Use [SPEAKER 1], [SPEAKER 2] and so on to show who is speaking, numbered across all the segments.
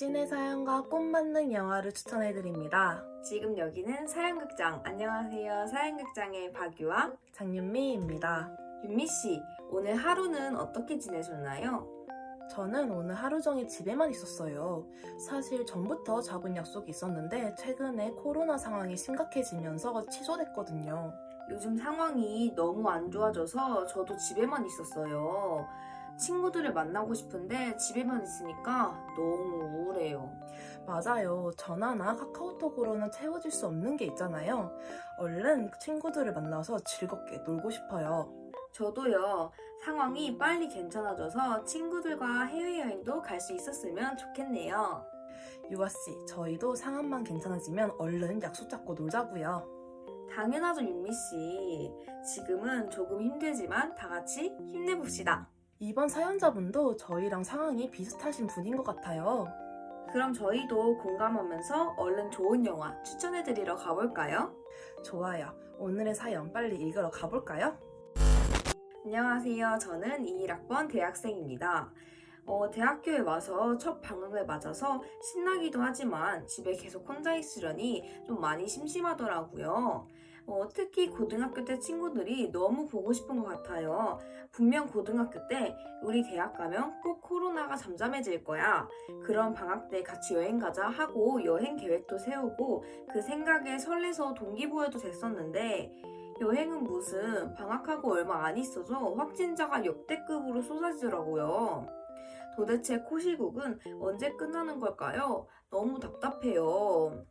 [SPEAKER 1] 당신의 사연과 꼭 맞는 영화를 추천해드립니다.
[SPEAKER 2] 지금 여기는 사연극장. 안녕하세요. 사연극장의 박유와
[SPEAKER 1] 장윤미입니다.
[SPEAKER 2] 윤미씨, 오늘 하루는 어떻게 지내셨나요?
[SPEAKER 1] 저는 오늘 하루 종일 집에만 있었어요. 사실 전부터 잡은 약속이 있었는데 최근에 코로나 상황이 심각해지면서 취소됐거든요.
[SPEAKER 2] 요즘 상황이 너무 안 좋아져서 저도 집에만 있었어요. 친구들을 만나고 싶은데 집에만 있으니까 너무 우울해요.
[SPEAKER 1] 맞아요. 전화나 카카오톡으로는 채워질 수 없는 게 있잖아요. 얼른 친구들을 만나서 즐겁게 놀고 싶어요.
[SPEAKER 2] 저도요. 상황이 빨리 괜찮아져서 친구들과 해외여행도 갈 수 있었으면 좋겠네요.
[SPEAKER 1] 유아씨, 저희도 상황만 괜찮아지면 얼른 약속 잡고 놀자고요.
[SPEAKER 2] 당연하죠, 윤미씨. 지금은 조금 힘들지만 다 같이 힘내봅시다.
[SPEAKER 1] 이번 사연자분도 저희랑 상황이 비슷하신 분인 것 같아요.
[SPEAKER 2] 그럼 저희도 공감하면서 얼른 좋은 영화 추천해드리러 가볼까요?
[SPEAKER 1] 좋아요. 오늘의 사연 빨리 읽으러 가볼까요?
[SPEAKER 2] 안녕하세요. 저는 21학번 대학생입니다. 대학교에 와서 첫 방학을 맞아서 신나기도 하지만 집에 계속 혼자 있으려니 좀 많이 심심하더라고요. 특히 고등학교 때 친구들이 너무 보고 싶은 것 같아요. 분명 고등학교 때 우리 대학 가면 꼭 코로나가 잠잠해질 거야. 그럼 방학 때 같이 여행 가자 하고 여행 계획도 세우고 그 생각에 설레서 동기부여도 됐었는데 여행은 무슨 방학하고 얼마 안 있어서 확진자가 역대급으로 쏟아지더라고요. 도대체 코시국은 언제 끝나는 걸까요? 너무 답답해요.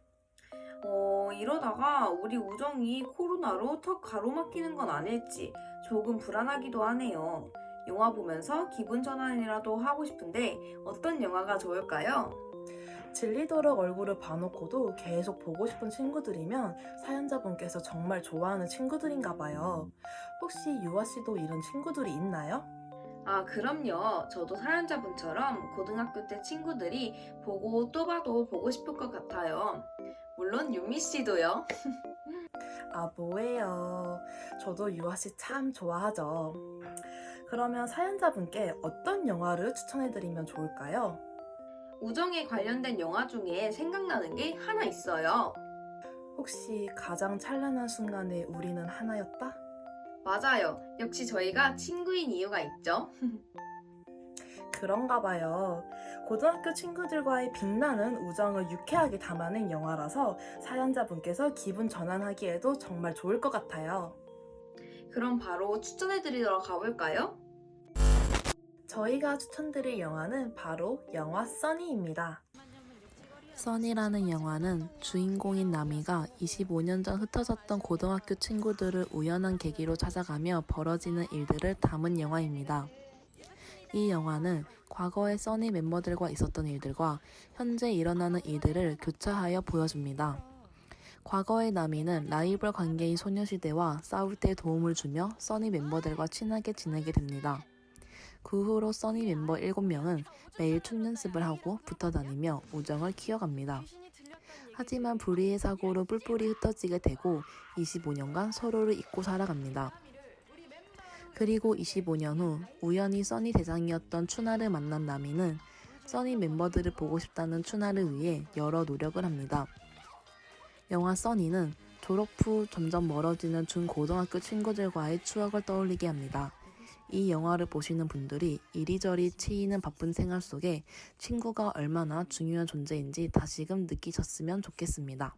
[SPEAKER 2] 이러다가 우리 우정이 코로나로 턱 가로막히는 건 아닐지 조금 불안하기도 하네요. 영화 보면서 기분 전환이라도 하고 싶은데 어떤 영화가 좋을까요?
[SPEAKER 1] 질리도록 얼굴을 봐놓고도 계속 보고 싶은 친구들이면 사연자분께서 정말 좋아하는 친구들인가 봐요. 혹시 유아씨도 이런 친구들이 있나요?
[SPEAKER 2] 아, 그럼요. 저도 사연자분처럼 고등학교 때 친구들이 보고 또 봐도 보고 싶을 것 같아요. 물론 윤미 씨도요.
[SPEAKER 1] 아, 뭐예요. 저도 유아씨 참 좋아하죠. 그러면 사연자분께 어떤 영화를 추천해드리면 좋을까요?
[SPEAKER 2] 우정에 관련된 영화 중에 생각나는 게 하나 있어요.
[SPEAKER 1] 혹시 가장 찬란한 순간에 우리는 하나였다?
[SPEAKER 2] 맞아요. 역시 저희가 친구인 이유가 있죠.
[SPEAKER 1] 그런가 봐요. 고등학교 친구들과의 빛나는 우정을 유쾌하게 담아낸 영화라서 사연자분께서 기분 전환하기에도 정말 좋을 것 같아요.
[SPEAKER 2] 그럼 바로 추천해드리러 가볼까요?
[SPEAKER 1] 저희가 추천드릴 영화는 바로 영화 써니입니다. 써니라는 영화는 주인공인 나미가 25년 전 흩어졌던 고등학교 친구들을 우연한 계기로 찾아가며 벌어지는 일들을 담은 영화입니다. 이 영화는 과거의 써니 멤버들과 있었던 일들과 현재 일어나는 일들을 교차하여 보여줍니다. 과거의 나미는 라이벌 관계인 소녀시대와 싸울 때 도움을 주며 써니 멤버들과 친하게 지내게 됩니다. 그 후로 써니 멤버 7명은 매일 춤 연습을 하고 붙어 다니며 우정을 키워갑니다. 하지만 불의의 사고로 뿔뿔이 흩어지게 되고 25년간 서로를 잊고 살아갑니다. 그리고 25년 후 우연히 써니 대장이었던 추나를 만난 나미는 써니 멤버들을 보고 싶다는 추나를 위해 여러 노력을 합니다. 영화 써니는 졸업 후 점점 멀어지는 중고등학교 친구들과의 추억을 떠올리게 합니다. 이 영화를 보시는 분들이 이리저리 치이는 바쁜 생활 속에 친구가 얼마나 중요한 존재인지 다시금 느끼셨으면 좋겠습니다.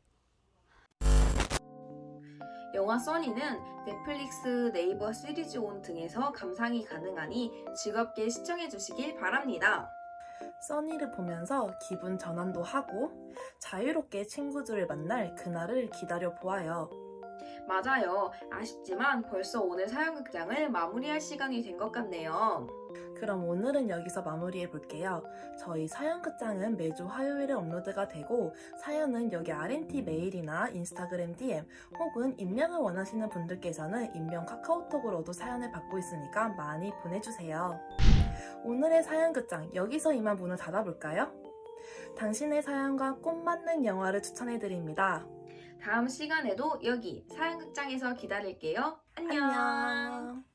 [SPEAKER 2] 영화 써니는 넷플릭스, 네이버 시리즈 온 등에서 감상이 가능하니 즐겁게 시청해주시길 바랍니다.
[SPEAKER 1] 써니를 보면서 기분 전환도 하고 자유롭게 친구들을 만날 그날을 기다려 보아요.
[SPEAKER 2] 맞아요. 아쉽지만 벌써 오늘 사연극장을 마무리할 시간이 된 것 같네요.
[SPEAKER 1] 그럼 오늘은 여기서 마무리해 볼게요. 저희 사연극장은 매주 화요일에 업로드가 되고 사연은 여기 RNT 메일이나 인스타그램 DM 혹은 임명을 원하시는 분들께서는 임명 카카오톡으로도 사연을 받고 있으니까 많이 보내주세요. 오늘의 사연극장 여기서 이만 문을 닫아볼까요? 당신의 사연과 꼭 맞는 영화를 추천해드립니다.
[SPEAKER 2] 다음 시간에도 여기 사연극장에서 기다릴게요. 안녕.
[SPEAKER 1] 안녕.